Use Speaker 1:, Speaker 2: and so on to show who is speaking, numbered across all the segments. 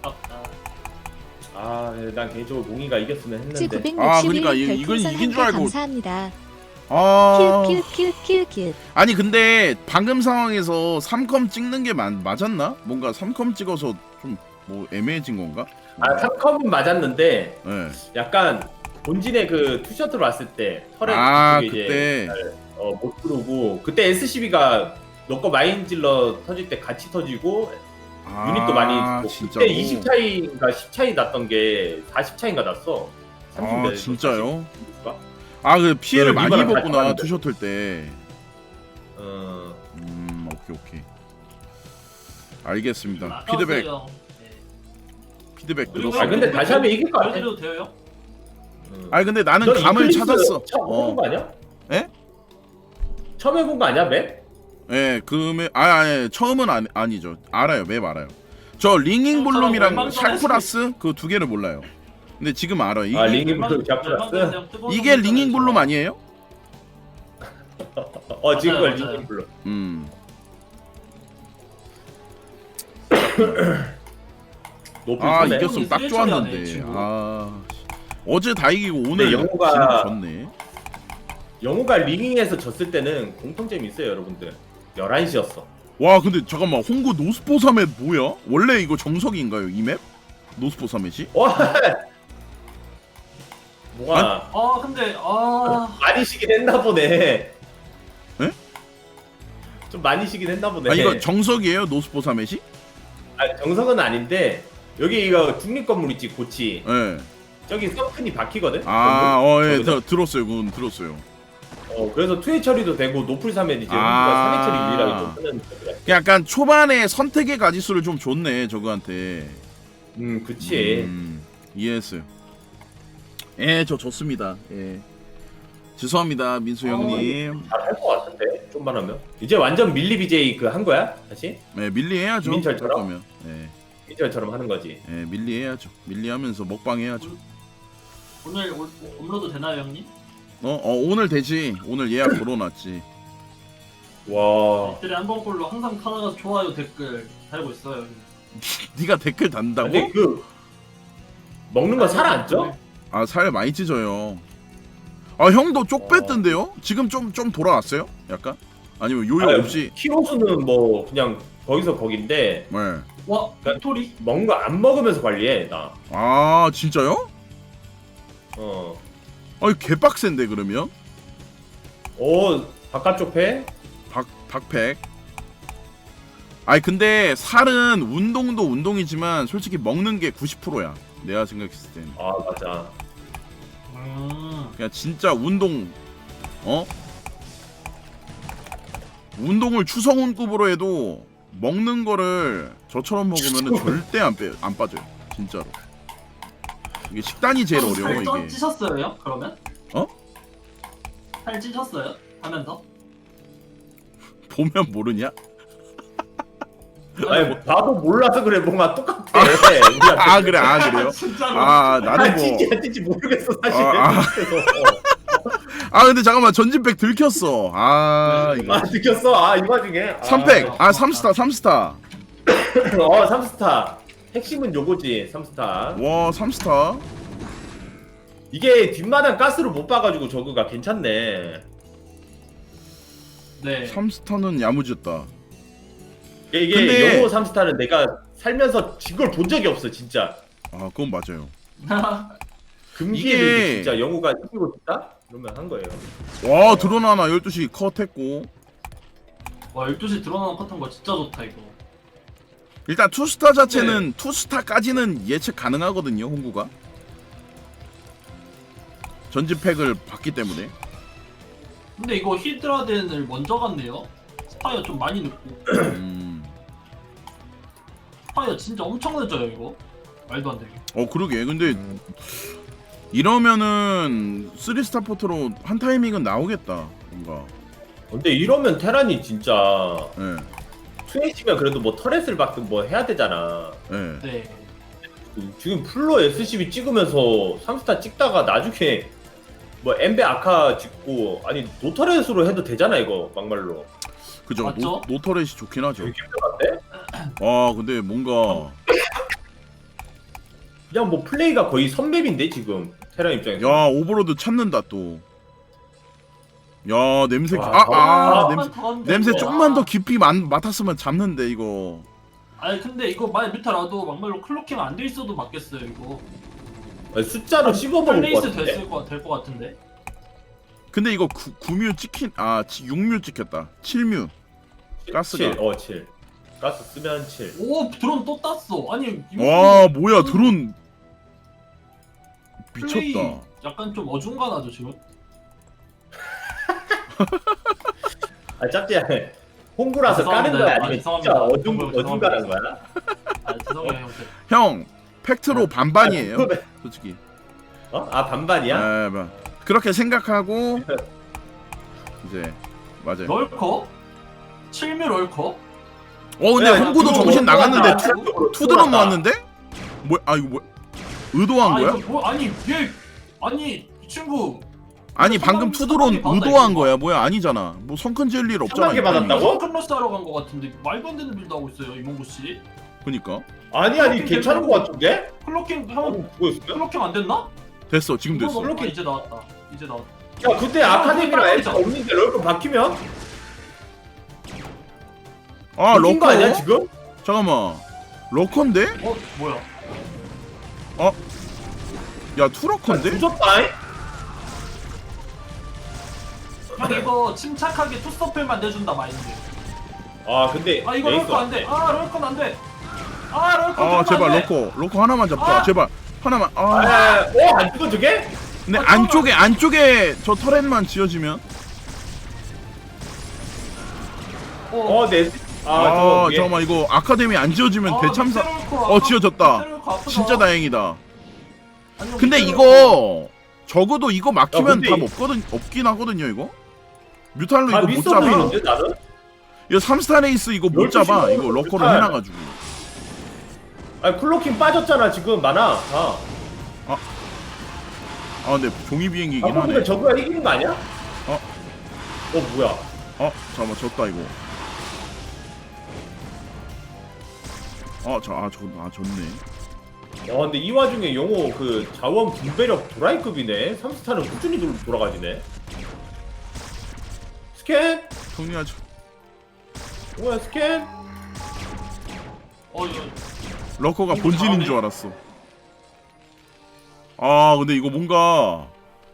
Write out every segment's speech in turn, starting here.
Speaker 1: 아깝다.
Speaker 2: 난 개인적으로 몽이가 이겼으면 했는데.
Speaker 3: 960일
Speaker 4: 아, 그러니까 이건
Speaker 3: 별풍선
Speaker 4: 이긴 줄
Speaker 3: 한개
Speaker 4: 알고.
Speaker 3: 감사합니다.
Speaker 4: 아
Speaker 3: 큐큐큐큐큐.
Speaker 4: 아니 근데 방금 상황에서 3컴 찍는 게 맞았나? 뭔가 3컴 찍어서 좀 뭐 애매해진 건가?
Speaker 2: 3컴은 맞았는데
Speaker 4: 네.
Speaker 2: 약간 본진의 그 투셔틀 왔을 때 털에
Speaker 4: 그때
Speaker 2: 이제 못 들어오고 그때 SCB가 너 거 마인질러 터질 때 같이 터지고 유닛도 많이 있고
Speaker 4: 진짜로?
Speaker 2: 그때 20 차이인가 10 차이 났던 게 40 차이인가 났어. 30 몇,
Speaker 4: 진짜요?
Speaker 2: 40인가?
Speaker 4: 그 피해를 많이
Speaker 2: 이번에
Speaker 4: 입었구나
Speaker 2: 발전하는데.
Speaker 4: 투셔틀 때. 오케이. 알겠습니다. 피드백
Speaker 1: 그리고
Speaker 4: 들었어.
Speaker 2: 근데 다시 하면 이길 것 같아.
Speaker 1: 보여드려도 돼요?
Speaker 4: 근데 나는
Speaker 2: 너
Speaker 4: 감을
Speaker 2: 이클립스
Speaker 4: 찾았어.
Speaker 2: 처음 해본 거 아니야?
Speaker 4: 예?
Speaker 2: 처음 해본 거 아니야 맵?
Speaker 4: 예, 아니 처음은 아니죠. 알아요, 맵 알아요. 저 링잉 블룸이랑 샤프라스 그 두 개를 몰라요. 근데 지금 알아. 이게
Speaker 2: 링잉 블룸 샤프라스?
Speaker 4: 이게 링잉 블룸 아니에요?
Speaker 2: 지금 걸
Speaker 1: 맞아요.
Speaker 2: 링잉 블룸. 높은 손에.
Speaker 4: 이겼으면 딱
Speaker 1: 일처리 하네,
Speaker 4: 좋았는데.
Speaker 1: 친구.
Speaker 4: 어제 다 이기고 오늘
Speaker 2: 영호가-
Speaker 4: 졌네.
Speaker 2: 영호가 링잉에서 졌을 때는 공통점이 있어요 여러분들. 11시였어.
Speaker 4: 와 근데 잠깐만 홍구 노스포 3맵 뭐야? 원래 이거 정석인가요 이 맵? 노스포 3맵이?
Speaker 2: 와. 뭐가
Speaker 1: 근데
Speaker 2: 많이 쉬긴 했나 보네.
Speaker 4: 에?
Speaker 2: 좀 많이 쉬긴 했나 보네.
Speaker 4: 이거 정석이에요 노스포 3맵이?
Speaker 2: 정석은 아닌데 여기 이거 중립 건물 있지 고치.
Speaker 4: 예.
Speaker 2: 저기 서큰이 박히거든.
Speaker 4: 예,
Speaker 2: 저기서.
Speaker 4: 들었어요. 그건 들었어요.
Speaker 2: 그래서 투회 처리도 되고 노플 사면 이제
Speaker 4: 아.
Speaker 2: 3회 처리 유일하게 좀 쓰는 거더라.
Speaker 4: 약간 초반에 선택의 가지수를 좀 줬네 저거한테.
Speaker 2: 그치.
Speaker 4: 이해했어요. 저 좋습니다. 죄송합니다 민수 형님.
Speaker 2: 잘할 것 같은데 좀만 하면. 이제 완전 밀리 BJ 그 한 거야 다시?
Speaker 4: 밀리 해야죠.
Speaker 2: 김민철처럼?
Speaker 4: 할 거면.
Speaker 2: 민철처럼 하는 거지.
Speaker 4: 밀리 해야죠. 밀리 하면서 먹방 해야죠.
Speaker 1: 오늘 업로드 되나요 형님?
Speaker 4: 오늘 되지. 오늘 예약 걸어놨지.
Speaker 2: 와.
Speaker 1: 댓글에 한 번꼴로 항상 카나가 좋아요 댓글 달고 있어요.
Speaker 4: 네가 댓글 단다고?
Speaker 2: 근데 그 먹는 거 살 안 쪄?
Speaker 4: 살 많이 찢어요. 형도 쪽 뺐던데요? 지금 좀 돌아왔어요? 약간? 아니면 요요 없이?
Speaker 2: 키로수는 뭐 그냥 거기서 거긴데
Speaker 4: 네.
Speaker 1: 와 빅토리?
Speaker 2: 먹는 거 안 먹으면서 관리해 나.
Speaker 4: 진짜요? 개빡센데 그러면?
Speaker 2: 바깥쪽 배?
Speaker 4: 박팩. 근데 살은 운동도 운동이지만 솔직히 먹는 게 90%야. 내가 생각했을 때는.
Speaker 2: 맞아.
Speaker 4: 그냥 진짜 운동 운동을 추성훈급으로 해도 먹는 거를 저처럼 먹으면 절대 안 빠져요. 진짜로. 이게 식단이 제일 어려워
Speaker 1: 살
Speaker 4: 이게.
Speaker 1: 찌셨어요 그러면?
Speaker 4: 어?
Speaker 1: 살 찌셨어요? 하면서?
Speaker 4: 보면 모르냐?
Speaker 2: 아니 나도 몰라서 그래 뭔가 똑같아.
Speaker 4: 그래요?
Speaker 1: 진짜로?
Speaker 4: 나는 뭐
Speaker 2: 찐지 안 찐지 모르겠어 사실.
Speaker 4: 근데 잠깐만 전진백 들켰어. 이거
Speaker 2: 느꼈어. 이 와중에
Speaker 4: 3팩 3스타
Speaker 2: 3스타 핵심은 요거지. 3스타
Speaker 4: 와 3스타.
Speaker 2: 이게 뒷마당 가스를 못 봐가지고 저거가 괜찮네.
Speaker 1: 네.
Speaker 4: 3스타는 야무졌다.
Speaker 2: 이게
Speaker 4: 근데-
Speaker 2: 영호 3스타는 내가 살면서 진 걸 본 적이 없어 진짜.
Speaker 4: 그건 맞아요.
Speaker 2: 금기에도
Speaker 4: 이게-
Speaker 2: 이게 진짜 영호가 이기고 있다? 그러면 한 거예요.
Speaker 4: 와 드론 하나 12시 컷했고.
Speaker 1: 와 12시 드러나는 패턴 거 진짜 좋다 이거.
Speaker 4: 일단 투스타 자체는 투스타까지는 예측 가능하거든요 홍구가. 전진팩을 봤기 때문에.
Speaker 1: 근데 이거 히드라덴을 먼저 갔네요. 스파이어 좀 많이 늦고. 스파이어 진짜 엄청 늦어요 이거. 말도 안 되게.
Speaker 4: 그러게. 근데 이러면은 3스타 포트로 한 타이밍은 나오겠다 뭔가.
Speaker 2: 근데 이러면 테란이 진짜
Speaker 4: 예.
Speaker 2: 투에이치면 그래도 뭐 터렛을 받든 뭐 해야 되잖아.
Speaker 4: 예.
Speaker 1: 네.
Speaker 2: 지금 플로 SCB 찍으면서 3스타 찍다가 나중에 뭐 엠베 아카 찍고 아니 노터렛으로 해도 되잖아 이거 막말로.
Speaker 4: 그죠.
Speaker 1: 맞죠?
Speaker 4: 노터렛이 좋긴 하죠.
Speaker 2: 되게 힘들었대?
Speaker 4: 근데 뭔가
Speaker 2: 그냥 뭐 플레이가 거의 선맵인데 지금 테란 입장에서.
Speaker 4: 야 오버로드 찾는다 또. 야 냄새
Speaker 2: 와,
Speaker 4: 냄새 조금만 더 깊이 맡았으면 잡는데 이거.
Speaker 1: 아니 근데 이거 만약 뮤타라도 막말로 클로킹 안 돼 있어도 맞겠어요 이거.
Speaker 2: 아니, 숫자로 씹어먹을 것
Speaker 1: 플레이스
Speaker 2: 같은데.
Speaker 1: 될것 같은데.
Speaker 4: 근데 이거 9뮤 찍힌 6뮤 찍혔다. 7뮤. 가스가.
Speaker 2: 7. 7. 가스 쓰면 7.
Speaker 1: 오 드론 또 땄어. 아니 이거
Speaker 4: 와 뭐야 드론
Speaker 1: 플레이
Speaker 4: 미쳤다.
Speaker 1: 약간 좀 어중간하죠 지금.
Speaker 2: 아 짭짤. 홍구라서 까는 거야 아니면 진짜 어중간한 거야?
Speaker 1: 아 죄송해요 형.
Speaker 4: 형 팩트로 반반이에요.
Speaker 2: 아, 그거는-
Speaker 4: 솔직히.
Speaker 2: 어? 아 반반이야?
Speaker 4: 뭐. 그렇게 생각하고 이제 맞아요.
Speaker 1: 럴커? 7뮤 럴커?
Speaker 4: 근데
Speaker 2: 야,
Speaker 4: 홍구도
Speaker 2: 그거
Speaker 4: 정신
Speaker 2: 뭐
Speaker 4: 나갔는데
Speaker 2: 나왔다.
Speaker 4: 투드론 모았는데? 뭐야? 이거 뭐 의도한 거야?
Speaker 1: 이거 뭐 아니 얘 아니 이 친구
Speaker 4: 아니 방금 투드론 의도한 거야? 뭐야? 아니잖아. 뭐 성큰 지을 일 없잖아.
Speaker 2: 3만 개
Speaker 4: 이 타이밍에.
Speaker 2: 받았다고?
Speaker 1: 컨러스 하러 간 거 같은데 말도 안 되는 빌드 하고 있어요 이몽구 씨.
Speaker 4: 그니까
Speaker 2: 아니 괜찮은 거 같은데?
Speaker 1: 클로킹 하면
Speaker 2: 뭐였어요?
Speaker 1: 클로킹 안 됐나?
Speaker 4: 됐어. 지금 됐어.
Speaker 1: 클로킹 이제 나왔다. 이제 나왔다.
Speaker 2: 야 그때 아카데미랑 애가 없는데 럴거 바뀌면?
Speaker 4: 아
Speaker 2: 웃긴 거
Speaker 4: 러커?
Speaker 2: 아니야 지금?
Speaker 4: 잠깐만. 러커인데?
Speaker 1: 뭐야?
Speaker 4: 야 투러커인데?
Speaker 2: 부졌다잉?
Speaker 1: 형 이거 침착하게 투스톱을만 내준다 마인드.
Speaker 2: 아 근데
Speaker 1: 이거 럴커 안 돼. 럴커는 안 돼. 럴커.
Speaker 4: 아 제발 러커 하나만 잡자. 제발 하나만.
Speaker 2: 안 죽어 저게?
Speaker 4: 근데 안쪽에 저 터렛만 지어지면. 잠깐만 이거 아카데미 안 지어지면 대참사. 지어졌다. 진짜 다행이다. 근데 이거 적어도 이거 막히면
Speaker 2: 근데
Speaker 4: 답 없긴 하거든요 이거. 뮤탈로 이거 못
Speaker 2: 있어
Speaker 4: 잡아.
Speaker 2: 보이는데 나는?
Speaker 4: 이거 3스타 레이스 이거 못
Speaker 2: 12
Speaker 4: 잡아.
Speaker 2: 시간
Speaker 4: 이거 러커를
Speaker 2: 뮤탈.
Speaker 4: 해놔가지고.
Speaker 2: 아니 클로킹 빠졌잖아 지금 많아 다.
Speaker 4: 근데 종이 비행기긴 하네.
Speaker 2: 근데 저거가 이기는 거 아니야? 뭐야?
Speaker 4: 잠깐만 졌다 이거. 졌네.
Speaker 2: 근데 이 와중에 영호 그 자원 분배력 도라이급이네. 3스타는 꾸준히 돌아가지네. 스캔?
Speaker 4: 정리하자.
Speaker 2: 뭐야 스캔?
Speaker 1: 이거
Speaker 4: 러커가
Speaker 1: 이거
Speaker 4: 본진인
Speaker 1: 잘하네.
Speaker 4: 줄 알았어. 근데 이거 뭔가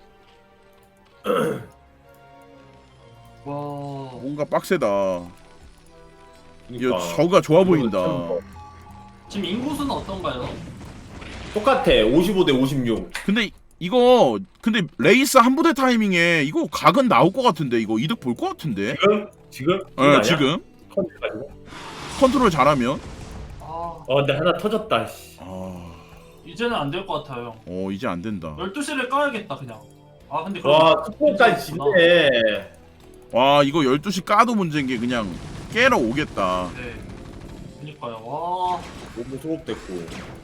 Speaker 1: 와.
Speaker 4: 빡세다.
Speaker 2: 그러니까.
Speaker 4: 저가 좋아 보인다.
Speaker 1: 지금 인구수는 어떤가요?
Speaker 2: 똑같아. 55대 56.
Speaker 4: 근데 근데 레이스 한 부대 타이밍에 이거 각은 나올 것 같은데 이거 이득 볼 것 같은데.
Speaker 2: 지금?
Speaker 4: 지금
Speaker 2: 컨트롤 가지고.
Speaker 4: 컨트롤 잘하면.
Speaker 2: 근데 하나 터졌다. 씨.
Speaker 1: 이제는 안 될 것 같아요.
Speaker 4: 이제 안 된다.
Speaker 1: 12시를 까야겠다 그냥. 근데
Speaker 2: 와 스포까지 지네.
Speaker 4: 와 이거 12시 까도 문제인 게 그냥 깨러 오겠다.
Speaker 1: 네. 그니까요. 와.
Speaker 2: 너무 소급됐고.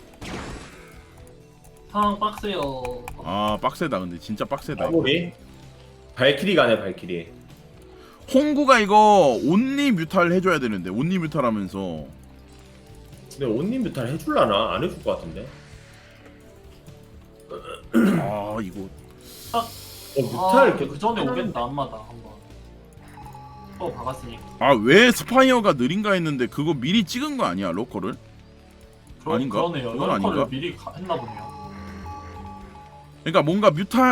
Speaker 1: 상황 빡세요.
Speaker 4: 빡세다. 근데 진짜 빡세다. 이거.
Speaker 2: 마무리. 발키리 가네 발키리.
Speaker 4: 홍구가 이거 온리 뮤탈 해줘야 되는데 온리 뮤탈 하면서.
Speaker 2: 근데 온님 뮤탈 해줄라나? 안 해줄 것 같은데.
Speaker 4: 이거
Speaker 2: 뮤탈
Speaker 1: 그 전에 오겠다 안마다 한번. 또 박았으니까.
Speaker 4: 왜 스파이어가 느린가 했는데 그거 미리 찍은 거 아니야 러커를? 아닌가?
Speaker 1: 그러네요.
Speaker 4: 그건
Speaker 1: 럴커를
Speaker 4: 아닌가?
Speaker 1: 미리 했나 보네요.
Speaker 4: 그러니까 뭔가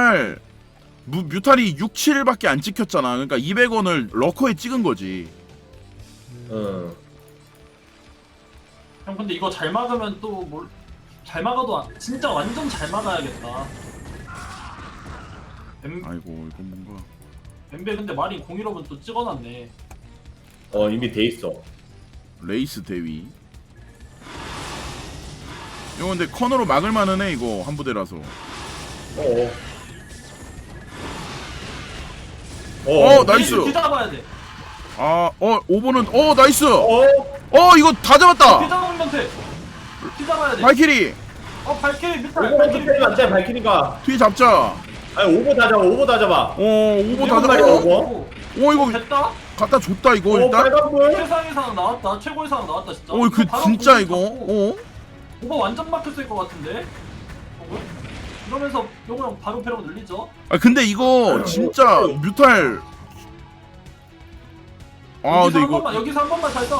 Speaker 4: 뮤탈이 6, 7밖에 안 찍혔잖아. 그러니까 200원을 러커에 찍은 거지.
Speaker 1: 형 근데 이거 잘 막으면 또 잘 막아도 진짜 완전 잘 막아야겠다.
Speaker 4: 아이고 이거 뭔가
Speaker 1: 엠베 근데 마린 01호분 또 찍어놨네.
Speaker 2: 이미 돼 있어.
Speaker 4: 레이스 대위. 이거 근데 커너로 막을 만은 해 이거 한 부대라서. 나이스.
Speaker 1: 뒤잡아야 돼.
Speaker 4: 오버는 나이스.
Speaker 2: 어?
Speaker 4: 이거 다 잡았다.
Speaker 1: 뒤잡으면 돼. 뒤잡아야 돼.
Speaker 4: 발키리
Speaker 1: 발키리 밑에.
Speaker 2: 오버로드 빼면 안 돼, 발키리가.
Speaker 4: 뒤 잡자.
Speaker 2: 아니, 오버 다 잡아, 오버 다 잡아.
Speaker 4: 오버 다
Speaker 2: 이거
Speaker 4: 잡아.
Speaker 2: 오버.
Speaker 4: 이거
Speaker 1: 됐다.
Speaker 4: 갖다 줬다 이거 일단.
Speaker 2: 빨간불.
Speaker 1: 최상의 상황 나왔다. 최고의 상황 나왔다 진짜.
Speaker 4: 그
Speaker 1: 바로
Speaker 4: 진짜
Speaker 1: 공격
Speaker 4: 이거.
Speaker 1: 잡고. 오버 완전 막혔을 것 같은데. 형은? 이러면서 용우랑 바로 패러가 늘리죠.
Speaker 4: 아 근데 이거 진짜 뮤탈. 아 근데 이거
Speaker 1: 여기서 한 번만 잘 써.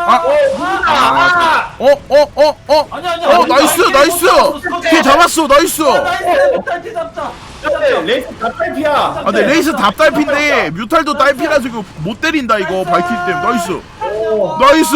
Speaker 1: 아니야.
Speaker 4: 나이스. 뒤에 잡았어. 나이스.
Speaker 1: 나이스. 뮤탈티 잡자.
Speaker 2: 레이스 다 딸피야.
Speaker 4: 아 근데 레이스 답딸핀데 뮤탈도 딸피라서 이거 못 때린다 이거 발키리 때문에. 나이스. 나이스.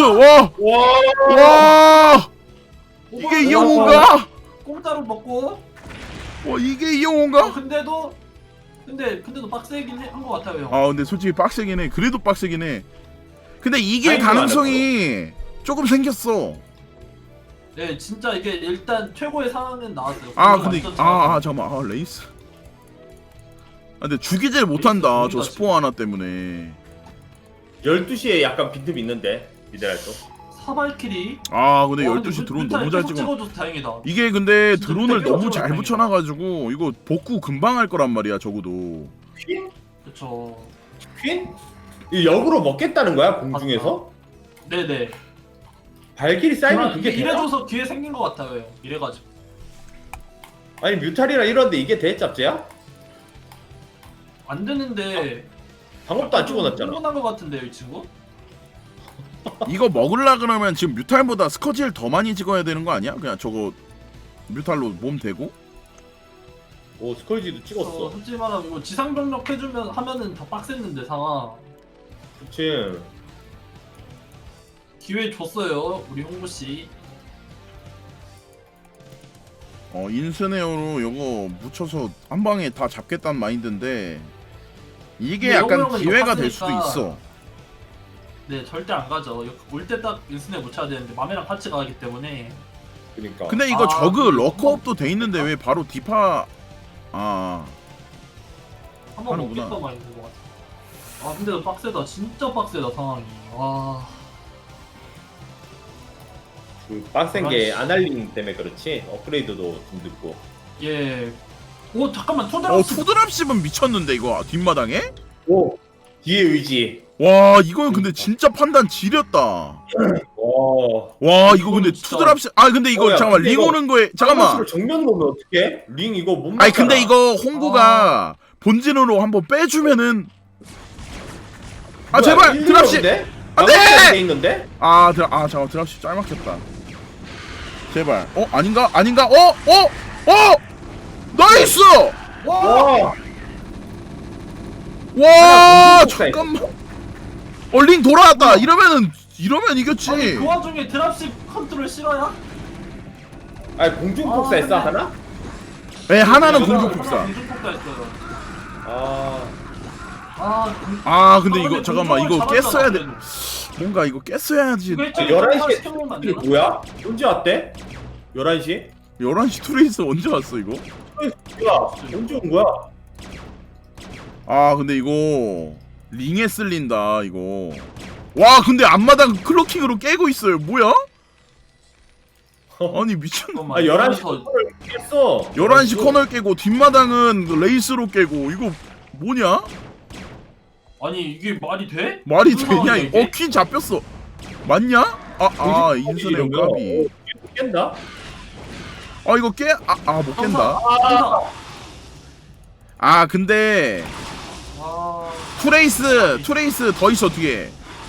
Speaker 4: 와. 이게 이영호인가?
Speaker 1: 공짜로 먹고.
Speaker 4: 이게 이영호인가?
Speaker 1: 근데도 빡세긴 한 것 같아요. 형.
Speaker 4: 아 근데 솔직히 빡세긴 해. 그래도 빡세긴 해. 근데 이길
Speaker 2: 아이고,
Speaker 4: 가능성이 조금 생겼어.
Speaker 1: 네, 진짜 이게 일단 최고의 상황은 나왔어요.
Speaker 4: 아 근데 잠깐만. 레이스. 근데 죽이질 못한다.
Speaker 1: 레이스
Speaker 4: 저 스포 하나 때문에.
Speaker 2: 12시에 약간 빈틈 있는데 미드랄도.
Speaker 1: 사발킬이.
Speaker 4: 근데 12시 드론 너무 잘 찍어.
Speaker 1: 찍어줘서 다행이다.
Speaker 4: 이게 근데
Speaker 1: 진짜
Speaker 4: 드론을
Speaker 1: 되게
Speaker 4: 너무
Speaker 1: 어려워,
Speaker 4: 잘
Speaker 1: 다행이다.
Speaker 4: 붙여놔가지고 이거 복구 금방 할 거란 말이야 적어도.
Speaker 2: 퀸?
Speaker 1: 그쵸.
Speaker 2: 퀸? 이 역으로 먹겠다는 거야 공중에서?
Speaker 1: 네네.
Speaker 2: 발길이 쌓이면 그게 되나?
Speaker 1: 이래줘서 기회 생긴 것 같아요. 형. 이래가지고.
Speaker 2: 아니 뮤탈이랑 이런데 이게 대짭제야?
Speaker 1: 안 되는데.
Speaker 2: 방법도 안 찍어놨잖아.
Speaker 1: 흥분한 것 같은데요, 이 친구?
Speaker 4: 이거 먹으려 그러면 지금 뮤탈보다 스커지를 더 많이 찍어야 되는 거 아니야? 그냥 저거 뮤탈로 몸 대고?
Speaker 2: 오 스컬지도 찍었어.
Speaker 1: 솔직히 말하면 이거 지상병력 하면은 더 빡셌는데 상황.
Speaker 2: 그치.
Speaker 1: 기회 줬어요, 우리 홍보 씨.
Speaker 4: 인스네어로 요거 묻혀서 한 방에 다 잡겠다는 마인드인데 이게
Speaker 1: 근데
Speaker 4: 약간
Speaker 1: 영웅은
Speaker 4: 기회가
Speaker 1: 이거
Speaker 4: 될 수도
Speaker 1: 팠으니까
Speaker 4: 있어.
Speaker 1: 네, 절대 안 가죠. 올 때 딱 인스네 못 쳐야 되는데 맘이랑 같이 가기 때문에.
Speaker 2: 그러니까.
Speaker 4: 근데 이거
Speaker 1: 아,
Speaker 4: 저그
Speaker 1: 근데
Speaker 4: 러커업도 돼 있는데 왜 바로 디파
Speaker 1: 한번
Speaker 4: 하는구나.
Speaker 1: 먹겠다 많이 된것 같아. 아 근데 빡세다. 진짜 빡세다 상황이. 와.
Speaker 2: 그 빡센 게 아날링 때문에 그렇지. 업그레이드도 좀 늦고.
Speaker 1: 예. 오 잠깐만 투드랍스.
Speaker 4: 투드랍십은 미쳤는데 이거 뒷마당에?
Speaker 2: 오 뒤에 의지.
Speaker 4: 와 이거는 근데 진짜 판단 지렸다. 와 이거 근데
Speaker 1: 진짜-
Speaker 4: 투드랍십 근데 이거
Speaker 2: 야,
Speaker 4: 잠깐만
Speaker 2: 근데
Speaker 4: 링
Speaker 2: 이거
Speaker 4: 오는 거에 잠깐만.
Speaker 2: 정면으로 오면 어떡해? 링 이거 못
Speaker 4: 아니 근데
Speaker 2: 맞잖아.
Speaker 4: 이거 홍구가 본진으로 한번 빼주면은
Speaker 2: 뭐야,
Speaker 4: 제발
Speaker 2: 일리가
Speaker 4: 드랍십.
Speaker 2: 없는데?
Speaker 4: 안돼!
Speaker 2: 막아줘야 돼 있는데?
Speaker 4: 잠깐 드랍십 짤막혔다. 제발. 아닌가? 나이스!
Speaker 2: 와.
Speaker 4: 와
Speaker 2: 하나
Speaker 4: 잠깐만. 링 돌아왔다. 이러면 이겼지.
Speaker 1: 아니 그 와중에 드랍십 컨트롤 싫어야?
Speaker 2: 아니 공중 폭사 했어
Speaker 1: 근데-
Speaker 2: 하나?
Speaker 4: 네 하나는
Speaker 1: 하나
Speaker 4: 공중 폭사.
Speaker 1: 공중 폭사 했어요.
Speaker 4: 근데 이거
Speaker 1: 근데
Speaker 4: 잠깐만 이거
Speaker 1: 공중을
Speaker 4: 깼어야 돼.
Speaker 1: 잡았잖아,
Speaker 4: 뭔가 이거 깼어야지.
Speaker 1: 그래도.
Speaker 2: 11시에
Speaker 1: 시켜먹으면 안
Speaker 2: 이게
Speaker 1: 되나?
Speaker 2: 뭐야? 언제 왔대? 11시?
Speaker 4: 11시 투레이스 언제 왔어 이거?
Speaker 2: 뭐야? 언제 온 거야?
Speaker 4: 근데 이거 링에 쓸린다 이거. 와 근데 앞마당 클로킹으로 깨고 있어요. 뭐야? 아니 미친.
Speaker 1: 잠깐만,
Speaker 2: 11시
Speaker 1: 이러면서-
Speaker 2: 커널 깼어.
Speaker 4: 11시 커널 깨고 뒷마당은 레이스로 깨고 이거 뭐냐?
Speaker 1: 아니 이게 말이 돼?
Speaker 4: 말이
Speaker 1: 무슨
Speaker 4: 되냐
Speaker 1: 상황이야,
Speaker 4: 이거?
Speaker 1: 이게?
Speaker 4: 퀸 잡혔어. 맞냐? 인스네어 까비.
Speaker 2: 깬다?
Speaker 4: 이거 못 깬다.
Speaker 1: 항상.
Speaker 4: 근데
Speaker 1: 아.
Speaker 4: 투레이스 더 있어 뒤에.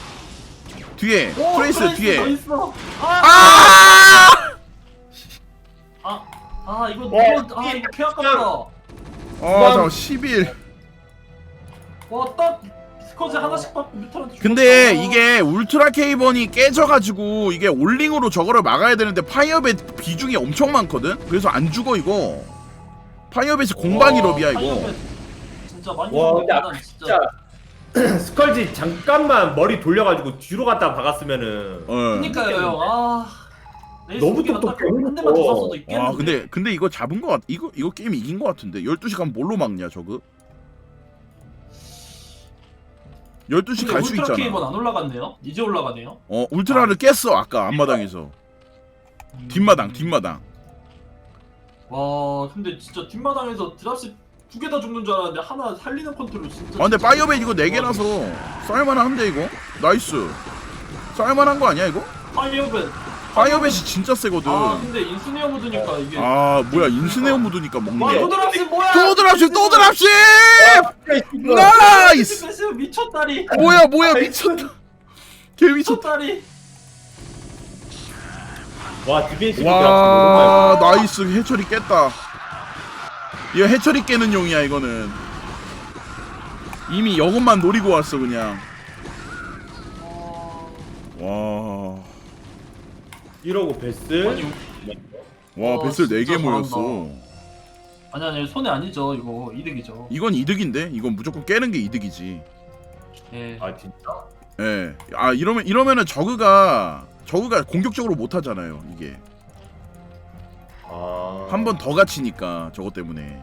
Speaker 1: 오,
Speaker 4: 투레이스
Speaker 1: 더
Speaker 4: 뒤에.
Speaker 1: 있어. 이거 개 아깝다.
Speaker 4: 잠깐 11.
Speaker 1: 딱 스커지 하나씩 받고 뮤탈한테
Speaker 4: 근데
Speaker 1: 죽었다.
Speaker 4: 이게 울트라 케이번이 깨져가지고 이게 올링으로 저거를 막아야 되는데 파이어벳 비중이 엄청 많거든. 그래서 안 죽어 이거. 파이어벳이 공방이럽이야 이거.
Speaker 1: 파이어벳 진짜 많이
Speaker 2: 와 근데
Speaker 1: 죽었다,
Speaker 2: 아까 진짜 스컬지 잠깐만 머리 돌려가지고 뒤로 갔다 박았으면은
Speaker 1: 그니까요 형.
Speaker 2: 너무 똑똑해.
Speaker 1: 한 대만 더 쐈어도 있겠는데.
Speaker 4: 근데 이거 잡은 거 같. 이거 게임 이긴 거 같은데. 12시 가면 뭘로 막냐 저거? 12시 갈 수
Speaker 1: 울트라
Speaker 4: 있잖아.
Speaker 1: 케이번 안 올라갔네요. 이제 올라가네요.
Speaker 4: 울트라를 깼어 아까 앞마당에서. 뒷마당.
Speaker 1: 와 근데 진짜 뒷마당에서 드랍십 2개 다 죽는 줄 알았는데 하나 살리는 컨트롤 진짜.
Speaker 4: 근데 파이어벳 이거 4개라서 쌀만한데 이거? 나이스. 쌀만한 거 아니야 이거?
Speaker 1: 파이어벳
Speaker 4: 파이어벳이 진짜 세거든.
Speaker 1: 아 근데 인스네어 묻으니까 이게.
Speaker 4: 아 뭐야 인스네어 묻으니까
Speaker 1: 와
Speaker 4: 먹네.
Speaker 1: 도드랍시 뭐야?
Speaker 4: 또 드랍십 또 드랍십. 나이스.
Speaker 1: 미쳤다리.
Speaker 4: 뭐야 미쳤다. 개 미쳤다.
Speaker 1: 미쳤다리.
Speaker 2: 와 디펜시브
Speaker 4: 와 나이스 해처리 깼다. 이거 해처리 깨는 용이야 이거는. 이미 이것만 노리고 왔어 그냥. 와.
Speaker 2: 이러고 베스.
Speaker 1: 아니
Speaker 4: 와
Speaker 1: 와,
Speaker 4: 베슬 4개
Speaker 1: 진짜
Speaker 4: 모였어.
Speaker 1: 아니 손해 아니죠 이거 이득이죠.
Speaker 4: 이건 이득인데? 이건 무조건 깨는 게 이득이지.
Speaker 1: 예.
Speaker 2: 아 진짜?
Speaker 4: 예. 아 이러면은 저그가 공격적으로 못 하잖아요. 이게
Speaker 2: 아.
Speaker 4: 한 번 더 갇히니까 저것 때문에.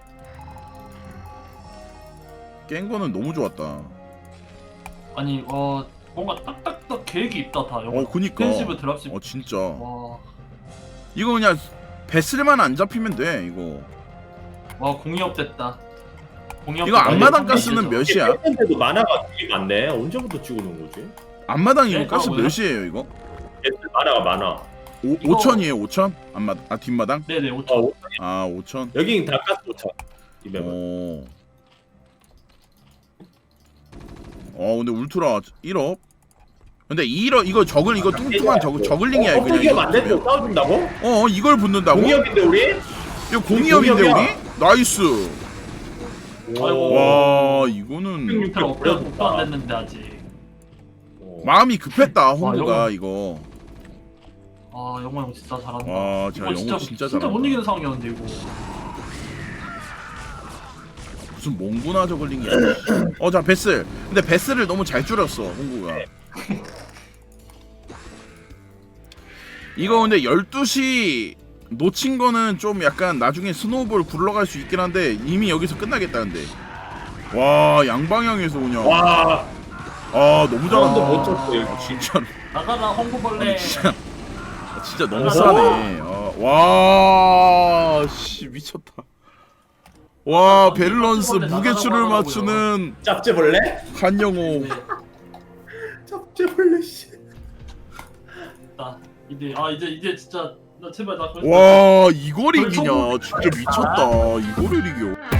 Speaker 4: 깬 거는 너무 좋았다.
Speaker 1: 아니 뭔가 딱딱딱 계획이 있다 다.
Speaker 4: 그니까.
Speaker 1: 디펜시브 드랍십.
Speaker 4: 진짜.
Speaker 1: 와.
Speaker 4: 이거 그냥 베슬만 안 잡히면 돼 이거.
Speaker 1: 와 공이업 됐다. 공이업.
Speaker 4: 이거 앞마당
Speaker 1: 됐다.
Speaker 4: 가스는 몇이야?
Speaker 2: 뺐는데도 만화가 되게 많네. 언제부터 찍어놓은 거지?
Speaker 4: 앞마당 이거
Speaker 1: 네,
Speaker 4: 가스
Speaker 1: 그거고요.
Speaker 4: 몇이에요 이거?
Speaker 2: 베스 만화가 많아.
Speaker 1: 이거-
Speaker 4: 5천이에요 5천? 뒷마당?
Speaker 1: 네네 5천.
Speaker 2: 어,
Speaker 4: 아 5천.
Speaker 2: 여긴 다 가스 5천. 이 맵은.
Speaker 4: 근데 울트라 1업. 근데 1업 이거 이거 뚱뚱한 저글링이야 이거 그냥.
Speaker 2: 어떻게
Speaker 4: 이거
Speaker 2: 안 됐고
Speaker 4: 붙으면.
Speaker 2: 싸워준다고?
Speaker 4: 이걸 붙는다고?
Speaker 2: 공이업인데 우리?
Speaker 4: 이거 공이업인데
Speaker 2: 공이업이야.
Speaker 4: 우리? 나이스.
Speaker 1: 아이고.
Speaker 4: 와 이거는
Speaker 1: 6편 업도 안 됐는데 아직.
Speaker 4: 마음이 급했다 홍보가
Speaker 1: 영어.
Speaker 4: 이거.
Speaker 1: 아 영호 형 진짜 잘한다.
Speaker 4: 와 진짜
Speaker 1: 이거
Speaker 4: 영호 진짜
Speaker 1: 진짜 못
Speaker 4: 잘한다.
Speaker 1: 이기는 상황이었는데 이거.
Speaker 4: 무슨 몽구나 저글링이야. 자 베슬. 근데 베슬을 너무 잘 줄였어 홍구가. 이거 근데 12시 놓친 거는 좀 약간 나중에 스노우볼 굴러갈 수 있긴 한데 이미 여기서 끝나겠다 근데. 와 양방향에서 그냥.
Speaker 2: 와.
Speaker 4: 너무 잘한다.
Speaker 2: 사운드 못 쳤어, 이거.
Speaker 4: 진짜.
Speaker 1: 나가라 홍보벌레.
Speaker 4: 아니, 진짜 너무 싸네. 와, 씨 미쳤다. 와, 밸런스 무게추를 맞추는
Speaker 2: 짭제벌레?
Speaker 4: 한영호.
Speaker 1: 네.
Speaker 2: 짭제벌레 씨.
Speaker 1: 이제 진짜 나 제발 나.
Speaker 4: 와, 이걸 이기냐? 진짜 미쳤다. 이거를 이겨.